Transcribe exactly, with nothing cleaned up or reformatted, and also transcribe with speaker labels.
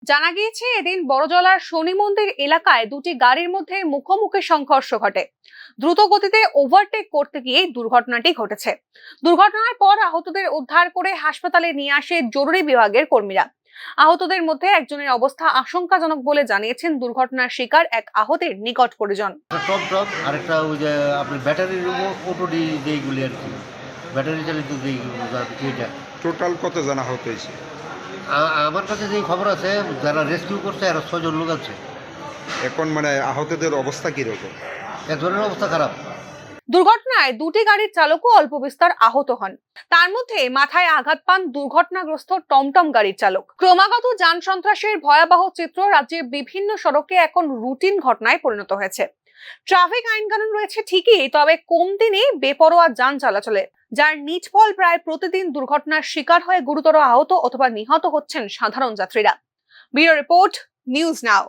Speaker 1: জানা গিয়েছে এদিন বড়জলার শনি মন্দির এলাকায় দুটি গাড়ির মধ্যে মুখোমুখি সংঘর্ষ ঘটে। দ্রুত গতিতে ওভারটেক করতে গিয়ে দুর্ঘটনাটি ঘটেছে। দুর্ঘটনার পর আহতদের উদ্ধার করে হাসপাতালে নিয়ে আসে জরুরি বিভাগের কর্মীরা। আহতদের মধ্যে একজনের অবস্থা আশঙ্কাজনক বলে জানিয়েছেন দুর্ঘটনার শিকার এক আহতের নিকট পরিজন।
Speaker 2: টপ টপ আরেকটা ওই যে আপনার ব্যাটারির অটো যেইগুলি আর কি, ব্যাটারি চালিত যেই এটা।
Speaker 3: টোটাল কত জন আহত হয়েছে?
Speaker 2: আমার কাছে যেই খবর আছে, যারা রেস্কিউ করছে আরো ছয়জন লোক আছে।
Speaker 3: এখন মানে আহতদের অবস্থা কিরকম?
Speaker 2: এক ধরনের অবস্থা খারাপ।
Speaker 1: দুর্ঘটনায় দুটি গাড়ির চালকও অল্প বিস্তর আহত হন। তার মধ্যে মাথায় আঘাত পান দুর্ঘটনাগ্রস্ত টমটম গাড়ির চালক। ক্রমাগত যান সন্ত্রাসের ভয়াবহ চিত্র রাজ্যের বিভিন্ন সড়কে এখন রুটিন ঘটনায় পরিণত হয়েছে। ট্রাফিক আইন কানুন রয়েছে ঠিকই, তবে কম দিনে বেপরোয়া যান চলাচলে, যার নিজ ফল প্রায় প্রতিদিন দুর্ঘটনার শিকার হয়ে গুরুতর আহত অথবা নিহত হচ্ছেন সাধারণ যাত্রীরা। ব্যুরো রিপোর্ট, নিউজ নাও।